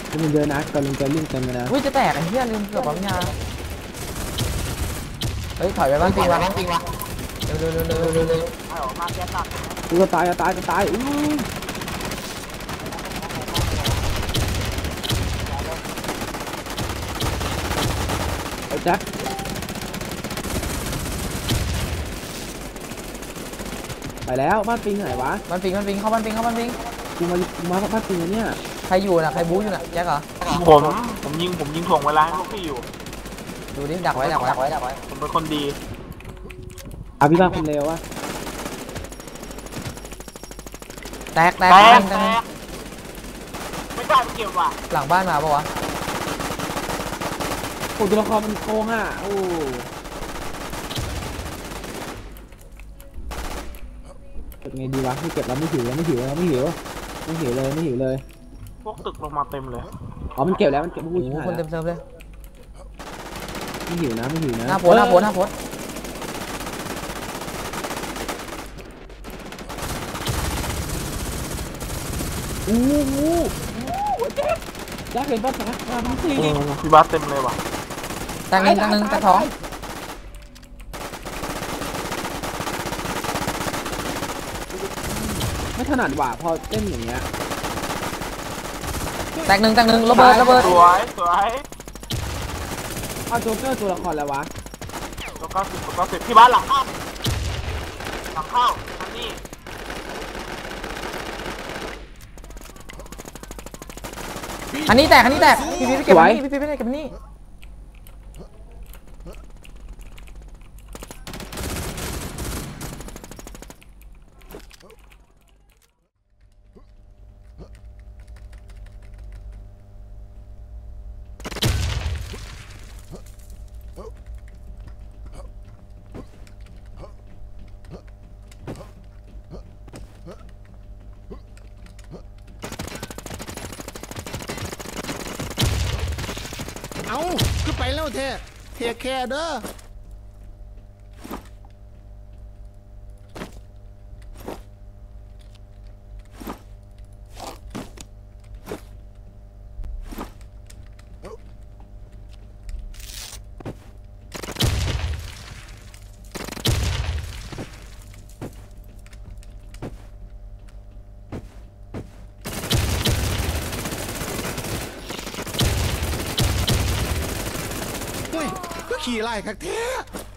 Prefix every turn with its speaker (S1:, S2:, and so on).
S1: มันเยอะนะกำลังจะลิ่งเต็มเลยนะ
S2: อุ้ยจะแตกไอ้เหี้ยลืมเกือบปั๊มยาเฮ้ยถอยไปบ้านปิงวะเร็วเร็วเร็วเร็วเร็วเร็ว
S1: กูจะตายจะตายไอ้แจ็คไปแล้วบ้านปิงไหนวะ
S2: บ้านปิงเข้าบ้านปิง
S1: กูมาบ้านปิงเนี่ย
S2: ใครอยู่น่ะใครบู๊อยู่น่ะแจ็คเหรอ
S3: ผมยิงถ่วงเวลาให้พวกพี่อยู่
S2: ดูดิดักไว้
S3: ผมเป็นคนดี
S1: พี่บ้านคนเลววะ
S2: แตก
S3: ไม่กล้าไปเก็บว่ะ
S2: หลังบ้านมาปะวะ
S1: โอ้ตัวละครมันโกงอ่ะโอ้เก็บไงดีวะไม่เก็บแล้วไม่หิวเลย
S3: พวกตึกลงมาเต็มเลย
S1: อ๋อมันเก็บแล้วมันเก็บ
S2: โอ้โหคนเต็มเซิร์ฟเลย
S1: ไม่หิวนะ
S2: หน้าโพส
S1: แจ็คเห็นป่ะแจ็คมันตี
S3: พี่บ้าเต็มเลยว่ะ
S2: แตกหนึ่งแตกสอง
S1: ไม่ถนัดว่ะพอเต้นอย่างเงี้ย
S2: แตกหนึ่งระเบิด
S3: สวย
S1: เอาโจ๊กเกอร์ตัวละครแล้ววะ
S3: ตัว90พี่บ้าหลังเข้าอันนี้
S2: อันนี้แตกพี่ไปเก็บนี่
S4: เอาขึ้นไปแล้วเทแค่เด้อขี่ไล่คักแท้